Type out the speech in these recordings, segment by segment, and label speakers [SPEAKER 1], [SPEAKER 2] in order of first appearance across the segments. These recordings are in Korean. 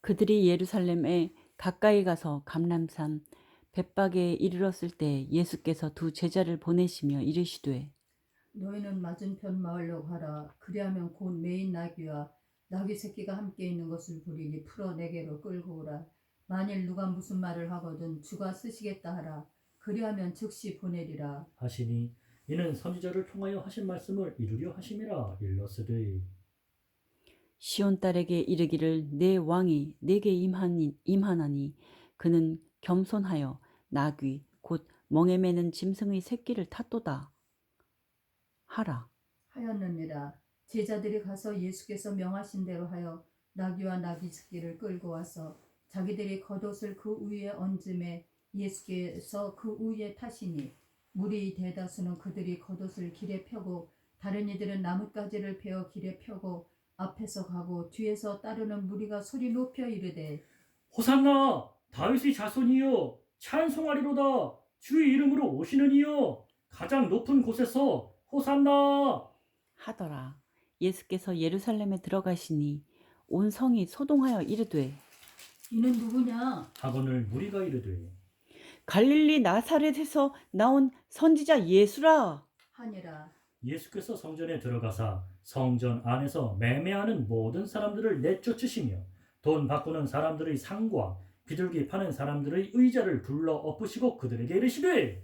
[SPEAKER 1] 그들이 예루살렘에 가까이 가서 감람산 벳박에 이르렀을 때 예수께서 두 제자를 보내시며 이르시되
[SPEAKER 2] 너희는 맞은편 마을로 가라. 그리하면 곧 메인 나귀와 나귀 새끼가 함께 있는 것을 보리니 풀어 내게로 끌고 오라. 만일 누가 무슨 말을 하거든 주가 쓰시겠다 하라. 그리하면 즉시 보내리라
[SPEAKER 3] 하시니 이는 선지자를 통하여 하신 말씀을 이루려 하심이라. 일러스되
[SPEAKER 1] 시온 딸에게 이르기를 내 왕이 내게 임하나니 그는 겸손하여 나귀 곧 멍에 매는 짐승의 새끼를 탔도다 하라.
[SPEAKER 2] 하였느니라. 제자들이 가서 예수께서 명하신 대로 하여 나귀와 나귀 새끼를 끌고 와서 자기들이 겉옷을 그 위에 얹음에 예수께서 그 위에 타시니 무리 대다수는 그들이 겉옷을 길에 펴고 다른 이들은 나뭇가지를 베어 길에 펴고 앞에서 가고 뒤에서 따르는 무리가 소리 높여 이르되
[SPEAKER 3] 호산나 다윗의 자손이여 찬송하리로다. 주의 이름으로 오시는 이여 가장 높은 곳에서 호산나.
[SPEAKER 1] 하더라. 예수께서 예루살렘에 들어가시니 온 성이 소동하여 이르되
[SPEAKER 2] 이는 누구냐
[SPEAKER 3] 하거늘 무리가 이르되
[SPEAKER 1] 갈릴리 나사렛에서 나온 선지자 예수라.
[SPEAKER 2] 하니라.
[SPEAKER 3] 예수께서 성전에 들어가사 성전 안에서 매매하는 모든 사람들을 내쫓으시며 돈 바꾸는 사람들의 상과 비둘기 파는 사람들의 의자를 불러 엎으시고 그들에게 이르시되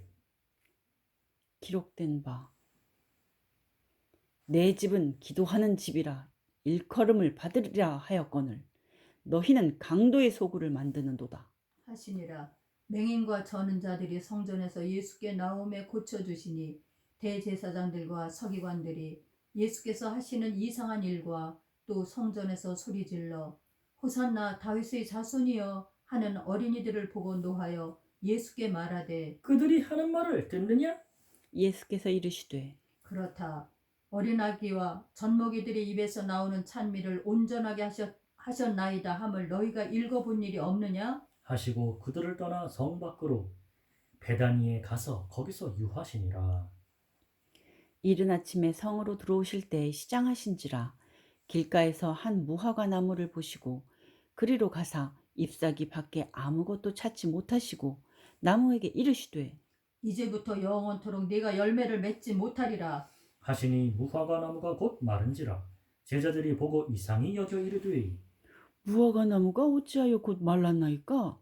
[SPEAKER 1] 기록된 바 내 집은 기도하는 집이라 일컬음을 받으리라 하였거늘 너희는 강도의 소굴을 만드는도다
[SPEAKER 2] 하시니라. 맹인과 저는 자들이 성전에서 예수께 나옴에 고쳐주시니 대제사장들과 서기관들이 예수께서 하시는 이상한 일과 또 성전에서 소리질러 호산나 다윗의 자손이여 하는 어린이들을 보고 노하여 예수께 말하되
[SPEAKER 3] 그들이 하는 말을 듣느냐?
[SPEAKER 1] 예수께서 이르시되
[SPEAKER 2] 그렇다. 어린아기와 젖먹이들의 입에서 나오는 찬미를 온전하게 하셨나이다 함을 너희가 읽어본 일이 없느냐?
[SPEAKER 3] 하시고 그들을 떠나 성 밖으로 베다니에 가서 거기서 유하시니라.
[SPEAKER 1] 이른 아침에 성으로 들어오실 때 시장하신지라 길가에서 한 무화과 나무를 보시고 그리로 가사 잎사귀 밖에 아무것도 찾지 못하시고 나무에게 이르시되
[SPEAKER 2] 이제부터 영원토록 네가 열매를 맺지 못하리라.
[SPEAKER 3] 하시니 무화과 나무가 곧 마른지라. 제자들이 보고 이상히 여겨 이르되
[SPEAKER 1] 무화과 나무가 어찌하여 곧 말랐나이까?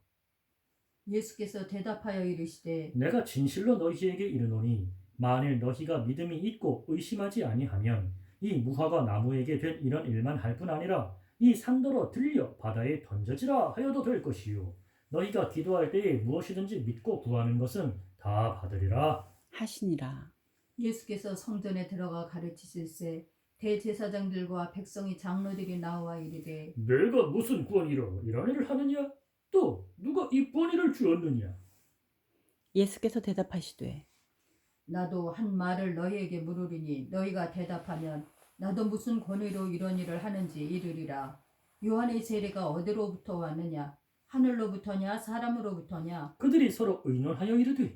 [SPEAKER 2] 예수께서 대답하여 이르시되
[SPEAKER 3] 내가 진실로 너희에게 이르노니 만일 너희가 믿음이 있고 의심하지 아니하면 이 무화과 나무에게 된 이런 일만 할 뿐 아니라 이 산더러 들려 바다에 던져지라 하여도 될 것이요 너희가 기도할 때에 무엇이든지 믿고 구하는 것은 다 받으리라.
[SPEAKER 1] 하시니라.
[SPEAKER 2] 예수께서 성전에 들어가 가르치실세 대제사장들과 백성의 장로들이 나와 이르되
[SPEAKER 3] 내가 무슨 권위로 이런 일을 하느냐? 또 누가 이 권위를 주었느냐?
[SPEAKER 1] 예수께서 대답하시되
[SPEAKER 2] 나도 한 말을 너희에게 물으리니 너희가 대답하면 나도 무슨 권위로 이런 일을 하는지 이르리라. 요한의 세례가 어디로부터 왔느냐? 하늘로부터냐 사람으로부터냐?
[SPEAKER 3] 그들이 서로 의논하여 이르되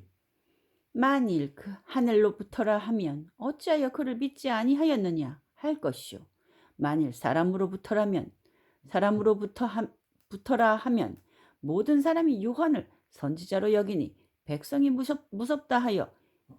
[SPEAKER 1] 만일 그 하늘로부터라 하면 어찌하여 그를 믿지 아니하였느냐 할 것이요 만일 사람으로부터라 하면 모든 사람이 요한을 선지자로 여기니 백성이 무섭다 하여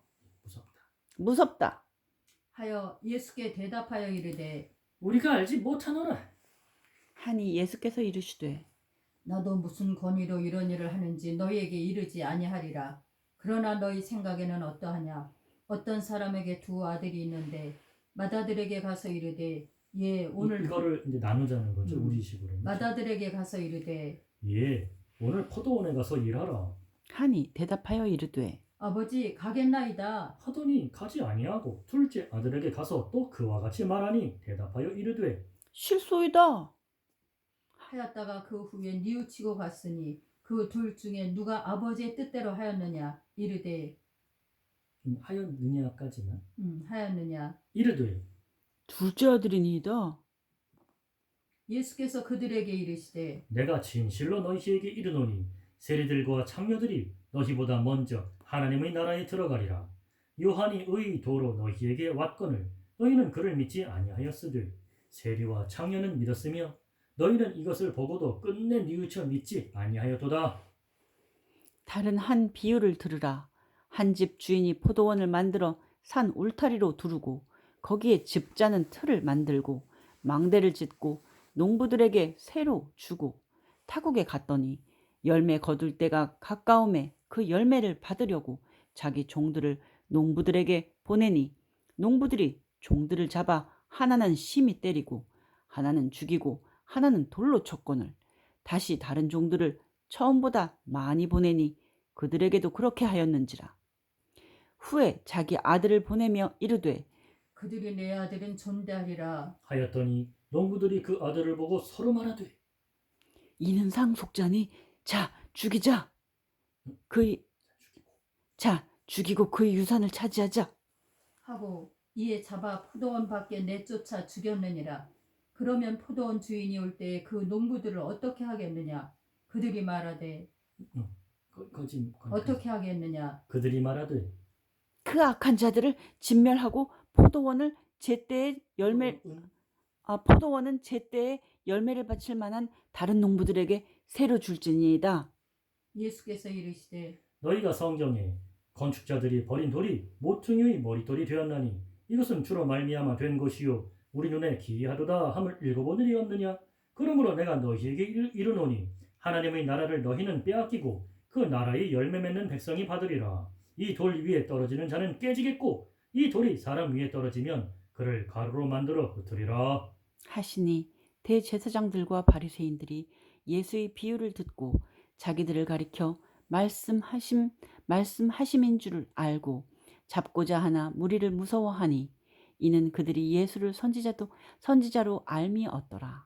[SPEAKER 1] 무섭다
[SPEAKER 2] 하여 예수께 대답하여 이르되
[SPEAKER 3] 우리가 알지 못하노라.
[SPEAKER 1] 하니 예수께서 이르시되
[SPEAKER 2] 나도 무슨 권위로 이런 일을 하는지 너희에게 이르지 아니하리라. 그러나 너희 생각에는 어떠하냐? 어떤 사람에게 두 아들이 있는데 맏아들에게 가서 이르되 오늘
[SPEAKER 3] 이거를 이제 나누자는 거죠. 우리식으로.
[SPEAKER 2] 맏아들에게 가서 이르되
[SPEAKER 3] 오늘 포도원에 가서 일하라
[SPEAKER 1] 하니 대답하여 이르되
[SPEAKER 2] 아버지 가겠나이다.
[SPEAKER 3] 하더니 가지 아니하고 둘째 아들에게 가서 또 그와 같이 말하니 대답하여 이르되
[SPEAKER 1] 실소이다
[SPEAKER 2] 하였다가 그 후에 뉘우치고 갔으니 그 둘 중에 누가 아버지의 뜻대로 하였느냐? 이르되
[SPEAKER 3] 하였느냐까지만
[SPEAKER 2] 하였느냐?
[SPEAKER 3] 이르되
[SPEAKER 1] 둘째 아들이니이다
[SPEAKER 2] 예수께서 그들에게 이르시되
[SPEAKER 3] 내가 진실로 너희에게 이르노니 세리들과 장녀들이 너희보다 먼저 하나님의 나라에 들어가리라. 요한이 의 도로 너희에게 왔거늘 너희는 그를 믿지 아니하였으되 세리와 장녀는 믿었으며 너희는 이것을 보고도 끝내 뉘우쳐 믿지 아니하였도다.
[SPEAKER 1] 다른 한 비유를 들으라. 한 집 주인이 포도원을 만들어 산 울타리로 두르고 거기에 즙 짜는 틀을 만들고 망대를 짓고 농부들에게 새로 주고 타국에 갔더니 열매 거둘 때가 가까움에 그 열매를 받으려고 자기 종들을 농부들에게 보내니 농부들이 종들을 잡아 하나는 심히 때리고 하나는 죽이고 하나는 돌로 쳤거늘 다시 다른 종들을 처음보다 많이 보내니 그들에게도 그렇게 하였는지라. 후에 자기 아들을 보내며 이르되
[SPEAKER 2] 그들이 내 아들은 존대하리라.
[SPEAKER 3] 하였더니 농부들이 그 아들을 보고 서로 말하되
[SPEAKER 1] 이는 상속자니 자 죽이자. 그의 자 죽이고 그의 유산을 차지하자.
[SPEAKER 2] 하고 이에 잡아 포도원 밖에 내쫓아 죽였느니라. 그러면 포도원 주인이 올 때에 그 농부들을 어떻게 하겠느냐? 그들이 말하되 어떻게 하겠느냐?
[SPEAKER 3] 그들이 말하되
[SPEAKER 1] 그 악한 자들을 진멸하고 포도원은 제때에 열매를 바칠 만한 다른 농부들에게 새로 줄지니이다.
[SPEAKER 2] 예수께서 이르시되
[SPEAKER 3] 너희가 성경에 건축자들이 버린 돌이 모퉁이의 머릿돌이 되었나니 이것은 주로 말미암아 된 것이요 우리 눈에 기이하도다 함을 읽어보느니 없느냐. 그러므로 내가 너희에게 이르노니 하나님의 나라를 너희는 빼앗기고 그 나라의 열매 맺는 백성이 받으리라. 이 돌 위에 떨어지는 자는 깨지겠고 이 돌이 사람 위에 떨어지면 그를 가루로 만들어 흩으리라.
[SPEAKER 1] 하시니 대제사장들과 바리새인들이 예수의 비유를 듣고 자기들을 가리켜 말씀하심인 줄을 알고 잡고자 하나 무리를 무서워하니 이는 그들이 예수를 선지자로 알미었더라.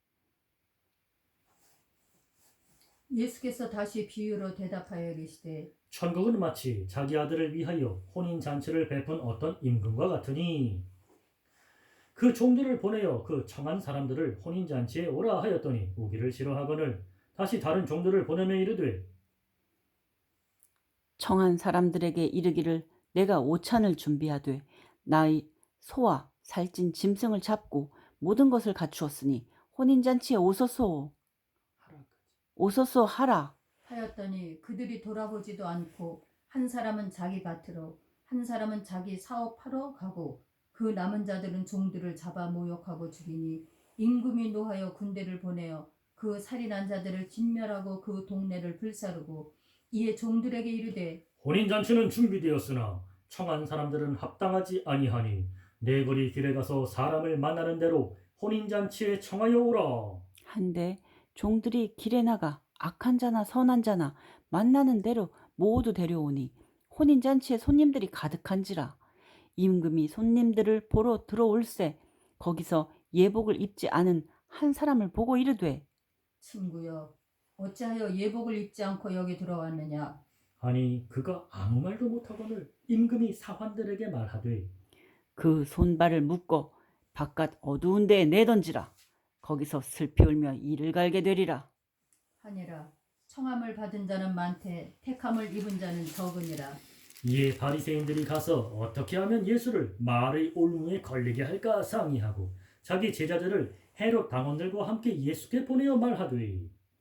[SPEAKER 2] 예수께서 다시 비유로 대답하여 이르시되
[SPEAKER 3] 천국은 마치 자기 아들을 위하여 혼인잔치를 베푼 어떤 임금과 같으니 그 종들을 보내어 그 청한 사람들을 혼인잔치에 오라 하였더니 오기를 싫어하거늘 다시 다른 종들을 보내며 이르되
[SPEAKER 1] 청한 사람들에게 이르기를 내가 오찬을 준비하되 나의 소와 살찐 짐승을 잡고 모든 것을 갖추었으니 혼인잔치에 오소서 하라.
[SPEAKER 2] 하였더니 그들이 돌아보지도 않고 한 사람은 자기 밭으로 한 사람은 자기 사업하러 가고 그 남은 자들은 종들을 잡아 모욕하고 죽이니 임금이 노하여 군대를 보내어 그 살인한 자들을 진멸하고 그 동네를 불사르고 이에 종들에게 이르되
[SPEAKER 3] 혼인잔치는 준비되었으나 청한 사람들은 합당하지 아니하니 네 거리 길에 가서 사람을 만나는 대로 혼인잔치에 청하여 오라.
[SPEAKER 1] 한데 종들이 길에 나가 악한 자나 선한 자나 만나는 대로 모두 데려오니 혼인잔치에 손님들이 가득한지라. 임금이 손님들을 보러 들어올세 거기서 예복을 입지 않은 한 사람을 보고 이르되
[SPEAKER 2] 친구여 어찌하여 예복을 입지 않고 여기 들어왔느냐?
[SPEAKER 3] 아니 그가 아무 말도 못하거늘 임금이 사환들에게 말하되
[SPEAKER 1] 그 손발을 묶어 바깥 어두운 데에 내던지라. 거기서 슬피 울며 이를 갈게 되리라.
[SPEAKER 2] 하니라. 청함을 받은 자는 많되 택함을 입은 자는 적으니라.
[SPEAKER 3] 이에 바리새인들이 가서 어떻게 하면 예수를 말의 올무에 걸리게 할까 상의하고 자기 제자들을 헤롯 당원들과 함께 예수께 보내어 말하되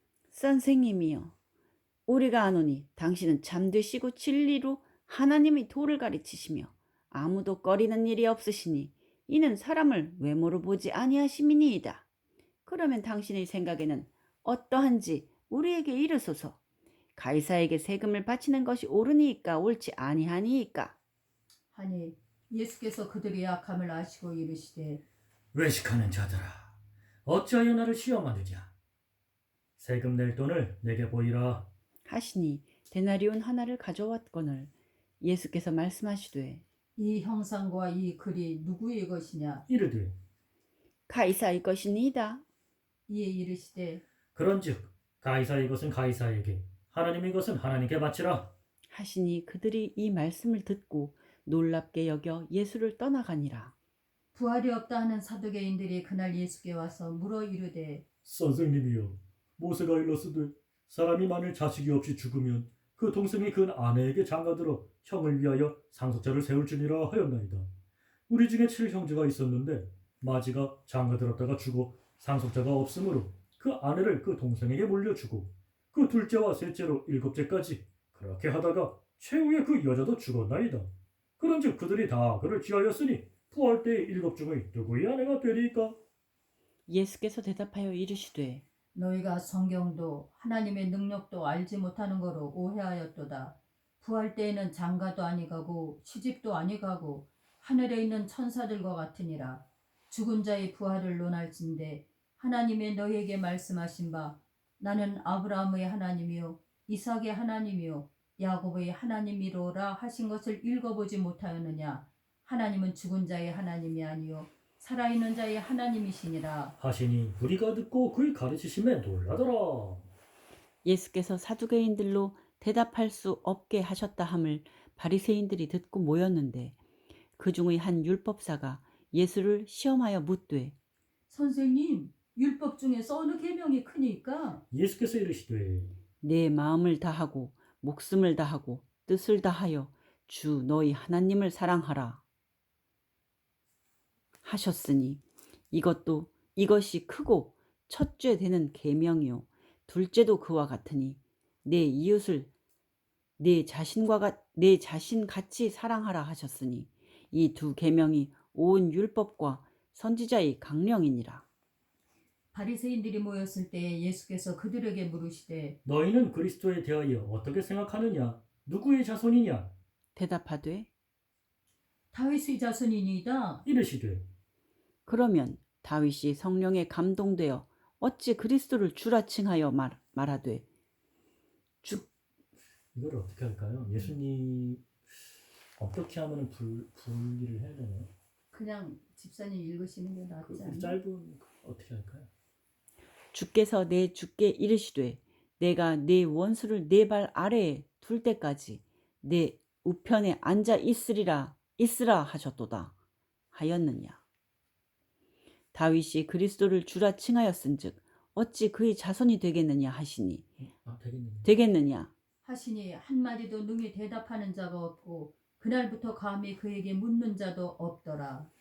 [SPEAKER 1] 선생님이여 우리가 아노니 당신은 잠드시고 진리로 하나님의 도를 가르치시며 아무도 꺼리는 일이 없으시니 이는 사람을 외모로 보지 아니하심이니이다. 그러면 당신의 생각에는 어떠한지 우리에게 이르소서. 가이사에게 세금을 바치는 것이 옳으니이까 옳지 아니하니이까?
[SPEAKER 2] 하니 예수께서 그들의 약함을 아시고 이르시되
[SPEAKER 3] 외식하는 자들아 어찌하여 나를 시험하느냐. 세금 낼 돈을 내게 보이라.
[SPEAKER 1] 하시니 데나리온 하나를 가져왔거늘 예수께서 말씀하시되
[SPEAKER 2] 이 형상과 이 글이 누구의 것이냐?
[SPEAKER 3] 이르되
[SPEAKER 1] 가이사의 것이니이다.
[SPEAKER 2] 이에 이르시되
[SPEAKER 3] 그런즉 가이사의 것은 가이사에게 하나님의 것은 하나님께 바치라.
[SPEAKER 1] 하시니 그들이 이 말씀을 듣고 놀랍게 여겨 예수를 떠나가니라.
[SPEAKER 2] 부활이 없다 하는 사두개인들이 그날 예수께 와서 물어 이르되
[SPEAKER 3] 선생님이여 모세가 일렀으되 사람이 만일 자식이 없이 죽으면 그 동생이 그 아내에게 장가들어 형을 위하여 상속자를 세울지니라 하였나이다. 우리 중에 7형제가 있었는데 마지가 장가들었다가 죽어 상속자가 없으므로 그 아내를 그 동생에게 물려주고 그 둘째와 셋째로 일곱째까지 그렇게 하다가 최후에 그 여자도 죽었나이다. 그런즉 그들이 다 그를 취하였으니 부활 때의 일곱 중의 누구의 아내가 되리까?
[SPEAKER 1] 예수께서 대답하여 이르시되
[SPEAKER 2] 너희가 성경도 하나님의 능력도 알지 못하는 거로 오해하였도다. 부활 때에는 장가도 아니가고 시집도 아니가고 하늘에 있는 천사들과 같으니라. 죽은 자의 부활을 논할진대 하나님의 너희에게 말씀하신 바 나는 아브라함의 하나님이요 이삭의 하나님이요 야곱의 하나님이로라 하신 것을 읽어보지 못하였느냐. 하나님은 죽은 자의 하나님이 아니요 살아있는 자의 하나님이시니라.
[SPEAKER 3] 하시니 무리가 듣고 그의 가르치심에 놀라더라.
[SPEAKER 1] 예수께서 사두개인들로 대답할 수 없게 하셨다 함을 바리새인들이 듣고 모였는데 그 중의 한 율법사가 예수를 시험하여 묻되
[SPEAKER 2] 선생님, 율법 중에서 어느 계명이 크니까?
[SPEAKER 3] 예수께서 이르시되
[SPEAKER 1] 내 마음을 다하고 목숨을 다하고 뜻을 다하여 주 너희 하나님을 사랑하라 하셨으니 이것이 크고 첫째 되는 계명이요 둘째도 그와 같으니 내 이웃을 내 자신 같이 사랑하라 하셨으니 이 두 계명이 온 율법과 선지자의 강령이니라.
[SPEAKER 2] 바리새인들이 모였을 때 예수께서 그들에게 물으시되
[SPEAKER 3] 너희는 그리스도에 대하여 어떻게 생각하느냐? 누구의 자손이냐?
[SPEAKER 1] 대답하되
[SPEAKER 2] 다윗의 자손이니이다.
[SPEAKER 3] 이르시되
[SPEAKER 1] 그러면 다윗이 성령에 감동되어 어찌 그리스도를 주라 칭하여 말하되
[SPEAKER 3] 이걸 어떻게 할까요? 예수님 어떻게 하면 분리를 해야 되나요?
[SPEAKER 2] 그냥 집사님 읽으시는 게 낫지
[SPEAKER 3] 그
[SPEAKER 2] 않나?
[SPEAKER 3] 짧은 어떻게 할까요?
[SPEAKER 1] 주께서 내 주께 이르시되 내가 네 원수를 네 발 아래에 둘 때까지 내 우편에 앉아 있으라 하셨도다 하였느냐. 다윗이 그리스도를 주라 칭하였은즉 어찌 그의 자손이 되겠느냐 하시니 되겠느냐.
[SPEAKER 2] 하시니 한마디도 능히 대답하는 자가 없고 그날부터 감히 그에게 묻는 자도 없더라.